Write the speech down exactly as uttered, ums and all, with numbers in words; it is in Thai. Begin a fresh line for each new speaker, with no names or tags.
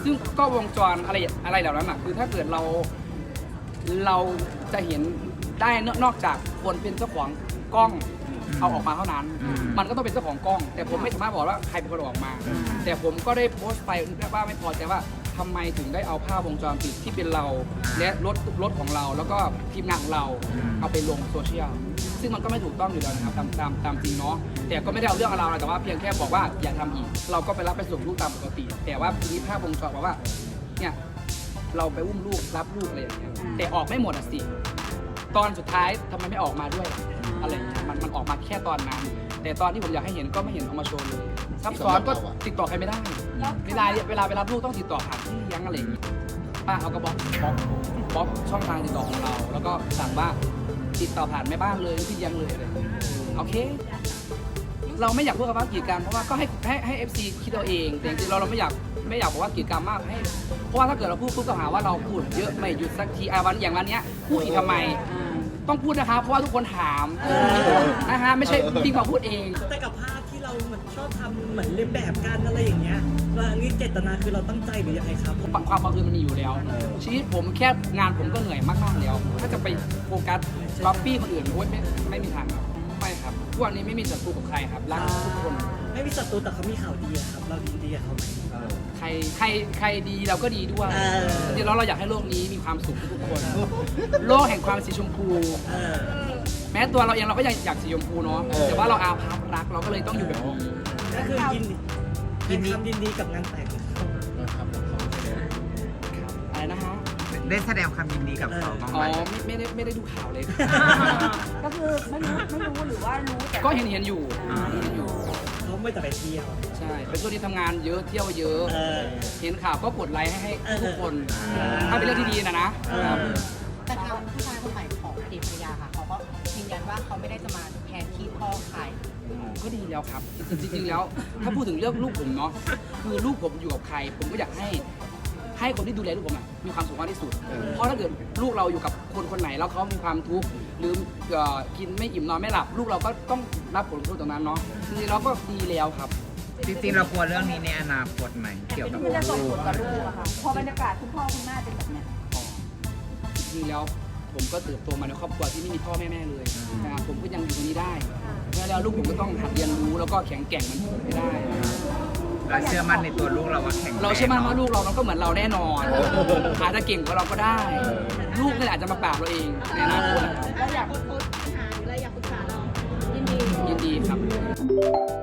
ซึ่งก็วงจรอะไรอะไรเหล่านั้นอ่ะคือถ้าเกิดเราเราจะเห็นได้นอกจากคนเป็นเจ้าของกล้องเอาออกมาเท่านั้นมันก็ต้องเป็นเจ้าของกล้องแต่ผมไม่สามารถบอกว่าใครเป็นคนเอาออกมาแต่ผมก็ได้โพสต์ไปว่าไม่พอใจว่าทำไมถึงได้เอาภาพวงจรปิดที่เป็นเราและรถรถของเราแล้วก็ทีมงานของเราเอาไปลงโซเชียลซึ่งมันก็ไม่ถูกต้องอยู่แล้วนะครับตามตามตามจริงเนาะแต่ก็ไม่ได้เอาเรื่องเราแต่ว่าเพียงแค่บอกว่าอย่าทำอีกเราก็ไปรับไปส่งลูกตามปกติ แต่ว่าทีนี้ภาพวงจรบอกว่าเนี่ยเราไปอุ้มลูกรับลูกอะไรอย่างเงี้ยแต่ออกไม่หมดอ่ะสิตอนสุดท้ายทำไมไม่ออกมาด้วยอะไรอย่างเงี้ยมันมันออกมาแค่ตอนนั้นแต่ตอนที่ผมอยากให้เห็นก็ไม่เห็นเอามาโชว์เลยซับซ้อนก็ติดต่อใครไม่ได้เวลาเวลาไปรับลูกต้องติดต่อผ่านที่เลี้ยงอะไรอย่างเงี้ยป้าเขาก็บล็อกบล็อกบล็อกช่องทางติดต่อของเราแล้วก็สั่งว่าติดต่อผ่านแม่บ้านเลยที่เลี้ยงเลยอะไรโอเคเราไม่อยากพูดกับว่ากีดกันเพราะว่าก็ให้ให้ให้เอฟซีคิดเอาเองแต่จริงๆเราเราไม่อยากไม่อยากบอกว่ากีดกันมากให้เพราะว่าถ้าเกิดเราพูดปุ๊บก็หาว่าเราพูดเยอะไม่หยุดสักทีไอ้วันอย่างวันเนี้ยพูดอีกทำไมต้องพูดนะคะเพราะว่าทุกคนถามนะฮะไม่ใช่พี่มาพูดเอง
แต่กับภาพที่เราเหมือนชอบทำเหมือนเลียนแบบกันอะไรอย่างเงี้ยว่านี่เจตนาคือเราตั้งใจหรือยังไงครับ
ความบังเอิญมันมีอยู่แล้วชีวิตผมแค่งานผมก็เหนื่อยมากๆแล้วถ้าจะไปโฟกัสก๊อปปี้คนอื่นโอ้ยไม่ไม่มีทางครับไม่ครับทุกวันนี้ไม่มีศัตรูกับใครครับรักทุกคน
ไม่มีศัตรูแต่เขามีข่าวดีครับเราดีดีกับเขาไหม
ใครใครใครดีเราก็ดีด้วยจริงๆแล้วเราอยากให้โลกนี้มีความสุขทุกคนโลกแห่งความสีชมพูแม้ตัวเราเองเราก็ยังอยากสีชมพูเนาะแต่ว่าเราอาภัพรักเราก็เลยต้องอยู่แบบนี้
ก็คือยินดียินดียินดีกับงานแต่ง
อะไรนะฮะ
ได้แสดงความยินดีกับเขาบ้างไหม
อ๋อไม่ได้ไม่ได้ดูข่าวเลย
ก็คือไม่รู้ไม่รู้หรือว่ารู้แต่
ก็เห็นเห็นอยู่เห็นอยู่
เขาไม่แต่ไปเที่ยว
ใช่เป็นช่วงที่ทำงานเยอะเที่ยวเยอะเห็นข่าวก็กดไลค์ให้ให้ทุกคนถ้าเป็นเรื่องที่ดีนะนะ
แต่ทางผู้ชายคนใหม่ของอดีตภรรยาค่ะเขาก็ยืนยันว่าเขาไม่ได้จะมาแทนที่พ่อใคร
ก็ดีแล้วครับจริงๆแล้วถ้าพูดถึงเรื่องลูกผมเนาะคือลูกผมอยู่กับใครผมก็อยากให้ให้คนที่ดูแลลูกผมมีความสุขมากที่สุดเพราะถ้าเกิดลูกเราอยู่กับคนคนไหนแล้วเขามีความทุกข์หรือกินไม่อิ่มนอนไม่หลับลูกเราก็ต้องรับผลกระทบตรงนั้นเนาะจริงๆเราก็ดีแล้วครับ
จริงๆเรากลัวเรื่องนี้ในอนาคตไหมเกี่ยวกับลูก
จะส่งผลกับลูกอะค่ะพอบรรยากาศคุณพ่อคุณแม่เป็นแบบเนี้ย
จริงๆแล้วผมก็เติบโตมาในครอบครัวที่ไม่มีพ่อแม่แม่เลยนะครับผมก็ยังอยู่ตรงนี้ได้แล้วลูกผมก็ต้องหัดเรียนรู้แล้วก็แข็งแกร่งมันผมไม่ได้
เราเชื่อมั่นในตัวลูกเราว่าแข็ง
เราเชื่อมั่นว่าลูกเรามันก็เหมือนเราแน่นอนอาจจะเก่งกว่าเราก็ได้ลูกนี่อาจจะมาปราบเราเองในอนาคต
แล้วอยากพูดปัญหาหรืออะไรอยากปรึกษาเรายินดี
ยินดีครับ